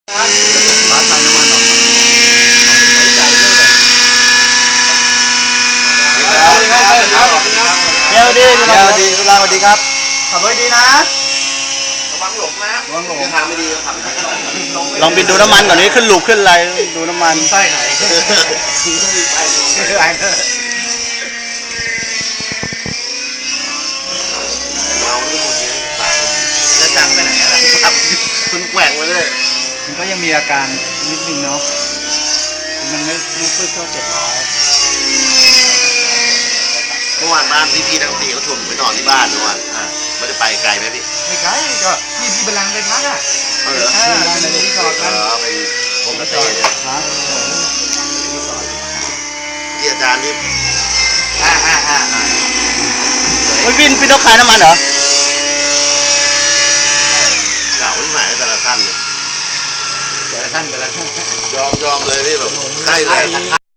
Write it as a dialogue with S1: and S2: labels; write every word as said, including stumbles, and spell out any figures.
S1: ร้านขายน้ำมันออกมาใช้ใจด้วยเลยเดี๋ยวดีเดี๋ยวดีเวลาสวัสดีครับขับรถดีนะระวังหลงนะระวังหลงทางไม่ดีขับลองบินดูน้ำมันก่อนนี้ขึ้นลูกขึ้นอะไรดูน้ำมันไส้ไหนจะจังไปไหนอะไรครับคุณแกว่งไปเลยมันก็ยังมีอาการนิดนึงเนาะมันไม่ไม่ฟื้นเข้าเจ็ดร้อยเมื่อวานบ้านพี่พี่ทั้งสี่เขาชวนผมไปนอนที่บ้านเมื่อวานไม่ได้ไปไกลไหมพี่ไม่ไกลก็พี่พี่บัลลังก์ไปพักอ่ะเออเป็นรีสอร์ทกันเป็นผมก็เต้ครับที่อาจารย์นี่อ่าอ่าอ่าไม่บินพี่ต้องขายน้ำมันเหรอเก่าที่ไหนแต่ละท่านเนี่ยแต่ละท่านแต่ละท่านยอมยอมเลยพี่แบบใช่เลย